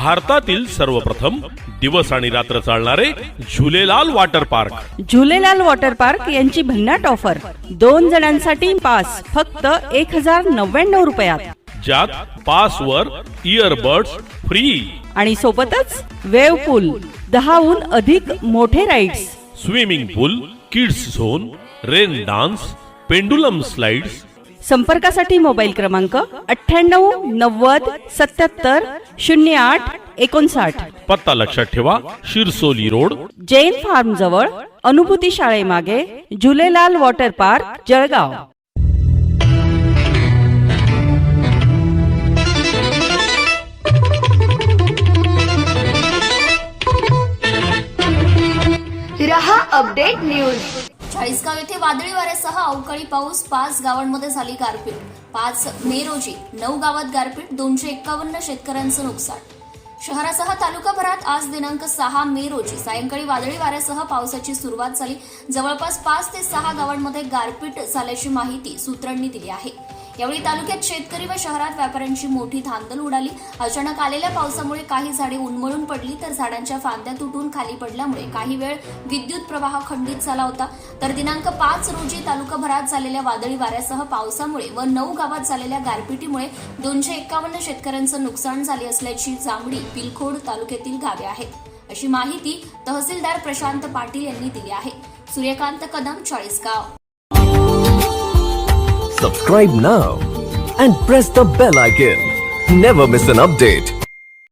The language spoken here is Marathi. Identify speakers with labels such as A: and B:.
A: भारतातील सर्वप्रथम दिवस आणि रात्र चालणारे Jhulelal water park.
B: Jhulelal water park यांची भन्नाट ऑफर. 2 जणांसाठी पास फक्त 1099 रुपयात,
A: ज्यात पासवर इयरबड्स फ्री
B: आणि सोबतच वेव पूल, 10हून अधिक मोठे rides,
A: swimming pool, kids zone, rain dance, pendulum slides.
B: संपर्कासाठी मोबाईल क्रमांक 98 90 77 08 59.
A: पत्ता लक्षात ठेवा, शिरसोली रोड,
B: जैन फार्म जवळ, अनुभूती शाळेमागे, झुलेलाल वॉटर पार्क, जळगाव.
C: रहा अपडेट न्यूज.
D: चाळीसगाव येथे वादळी वाऱ्यासह अवकाळी पाऊस, 5 गावांमध्ये झाली गारपीट. 5 मे रोजी 9 गावात गारपीट, 251 शेतकऱ्यांचं नुकसान. शहरासह तालुकाभरात आज दिनांक 6 मे रोजी सायंकाळी वादळी वाऱ्यासह पावसाची सुरुवात झाली. जवळपास 5 ते 6 गावांमध्ये गारपीट झाल्याची माहिती सूत्रांनी दिली आहे. यावेळी तालुक्यात शेतकरी व शहरात व्यापाऱ्यांची मोठी धांदल उडाली. अचानक आलेल्या पावसामुळे काही झाडे उन्मळून पडली, तर झाडांच्या फांद्या तुटून खाली पडल्यामुळे काही वेळ विद्युत प्रवाह खंडित झाला होता. तर दिनांक 5 रोजी तालुकाभरात झालेल्या वादळी वाऱ्यासह पावसामुळे व 9 गावात झालेल्या गारपिटीमुळे 251 शेतकऱ्यांचं नुकसान झाले असल्याची जांभडी, पिलखोड तालुक्यातील गावे आहेत, अशी माहिती तहसीलदार प्रशांत पाटील यांनी दिली आहे. Suryakant Kadam, Chalisgaon.
E: Subscribe now and press the bell icon. Never miss an update.